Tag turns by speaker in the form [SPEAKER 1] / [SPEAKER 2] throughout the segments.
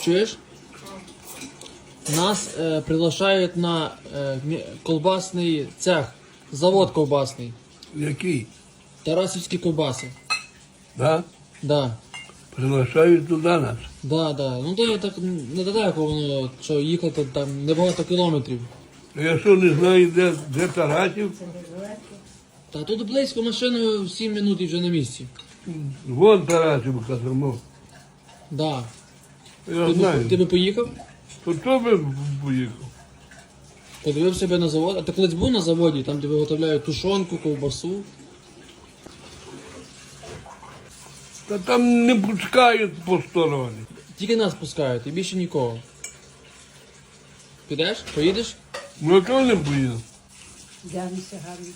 [SPEAKER 1] чуєш? Нас приглашають на колбасний цех, завод колбасний.
[SPEAKER 2] Який?
[SPEAKER 1] Тарасівські ковбаси.
[SPEAKER 2] Да?
[SPEAKER 1] Да.
[SPEAKER 2] Приглашають туди нас.
[SPEAKER 1] Да. Ну то я так недалеко воно, що їхати там небагато кілометрів.
[SPEAKER 2] Я що не знаю, де Тарасів?
[SPEAKER 1] Та тут близько машиною 7 минут і вже на місці.
[SPEAKER 2] Вон Тарасів казармо.
[SPEAKER 1] Да.
[SPEAKER 2] Я знаю.
[SPEAKER 1] Ти би поїхав?
[SPEAKER 2] То би поїхав.
[SPEAKER 1] Подивив себе на завод. А ти колись був на заводі, там де виготовляють тушонку, ковбасу.
[SPEAKER 2] Та там не пускають посторонні.
[SPEAKER 1] Тільки нас пускають і більше нікого. Підеш? Поїдеш?
[SPEAKER 2] Ну то не поїду.
[SPEAKER 3] Дянися гарно.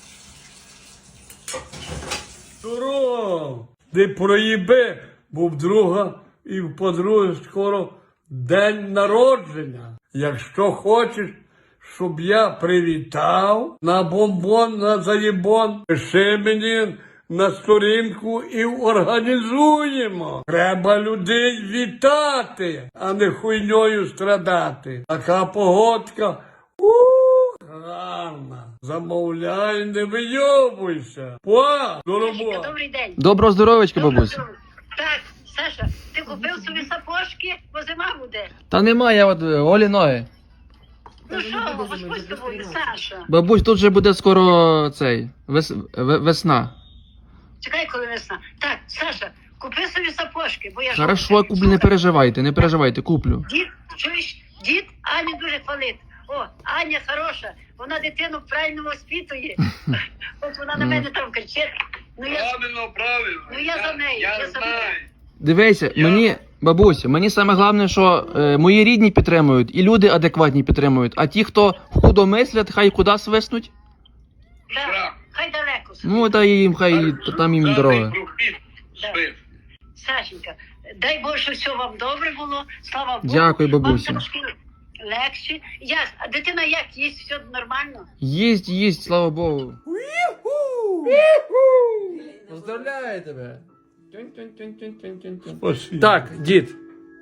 [SPEAKER 2] Здорово! Ти проїби, бо в друга і в подруги скоро день народження. Якщо хочеш, щоб я привітав на бомбон, на заєбон, пиши мені на сторінку і організуємо. Треба людей вітати, а не хуйньою страдати. Така погодка. Гарна. Замовляй, не вийобуйся. До роботи.
[SPEAKER 3] Добрий день.
[SPEAKER 1] Доброго здоров'ячка, бабусь.
[SPEAKER 3] Так, Саша, ти купив собі сапожки, бо зима буде.
[SPEAKER 1] Та нема, я от голі ноги.
[SPEAKER 3] Ну що, Господь з тобою, Саша.
[SPEAKER 1] Бабусь, тут вже буде скоро весна.
[SPEAKER 3] Чекай, коли весна. Так, Саша, купи собі сапожки, бо я ж...
[SPEAKER 1] Хорошо, куплю, не переживайте, куплю.
[SPEAKER 3] Дід, чуєш, дід Аню дуже хвалить. О, Аня хороша, вона дитину правильно воспитує. От вона на мене там кричить. Ну я за неї, я за неї.
[SPEAKER 1] Дивися, мені саме головне, що мої рідні підтримують і люди адекватні підтримують, а ті, хто худо мислять, хай куди свиснуть.
[SPEAKER 3] Так, хай далеко.
[SPEAKER 1] Ну, та їм, хай там їм дорога.
[SPEAKER 3] Сашенька, дай Боже, що все вам добре було, слава Богу.
[SPEAKER 1] Дякую, бабусю.
[SPEAKER 3] Вам трошки легше. А дитина як, їсть все нормально?
[SPEAKER 1] Їсть, слава Богу. Поздравляю тебе.
[SPEAKER 2] Спасибо.
[SPEAKER 1] Так, дід.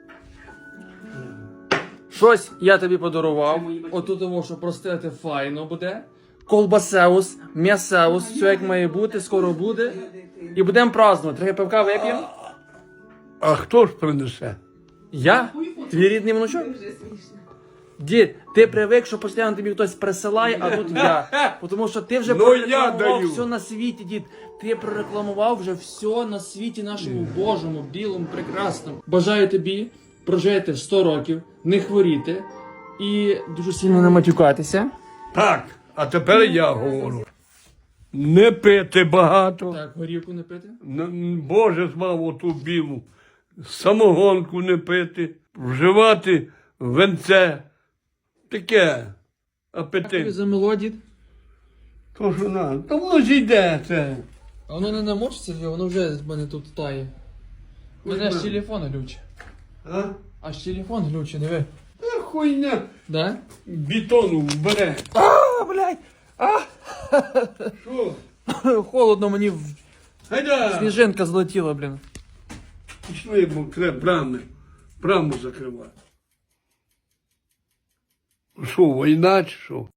[SPEAKER 1] Щось я тобі подарував. Отут того, що простити файно буде. Колбасеус, м'ясеус, все як має бути, скоро буде. І будемо празднувати. Трохи пивка вип'ємо.
[SPEAKER 2] А хто ж принесе?
[SPEAKER 1] Я? Твій рідний внучок? Дід, ти привик, що постійно тобі хтось присилає, а тут я. Тому що ти вже
[SPEAKER 2] Ну, я
[SPEAKER 1] прорекламував
[SPEAKER 2] даю.
[SPEAKER 1] все на світі, дід. Ти прорекламував вже все на світі нашому Божому, білому, прекрасному. Бажаю тобі прожити 100 років, не хворіти і дуже сильно не матюкатися.
[SPEAKER 2] Так, а тепер я говорю. Не пити багато.
[SPEAKER 1] Так, горівку не пити.
[SPEAKER 2] Боже змав оту білу. Самогонку не пити. Вживати венце. Таке.
[SPEAKER 1] Тобі
[SPEAKER 2] Апетит.
[SPEAKER 1] замело, дід.
[SPEAKER 2] То що надо. Та воно ж йде це.
[SPEAKER 1] А воно не намочиться, воно вже з мене тут тає. У мене аж
[SPEAKER 2] Ой,
[SPEAKER 1] телефон глючить.
[SPEAKER 2] А?
[SPEAKER 1] Аж телефон глючить, диви.
[SPEAKER 2] Та хуйня.
[SPEAKER 1] Да?
[SPEAKER 2] Бетону вбере.
[SPEAKER 1] А, блядь! А!
[SPEAKER 2] Що?
[SPEAKER 1] Холодно, мені
[SPEAKER 2] Гайда!
[SPEAKER 1] сніжинка злетіла, блін.
[SPEAKER 2] Пішли, бо треба браму закривати. Що, війна чи що?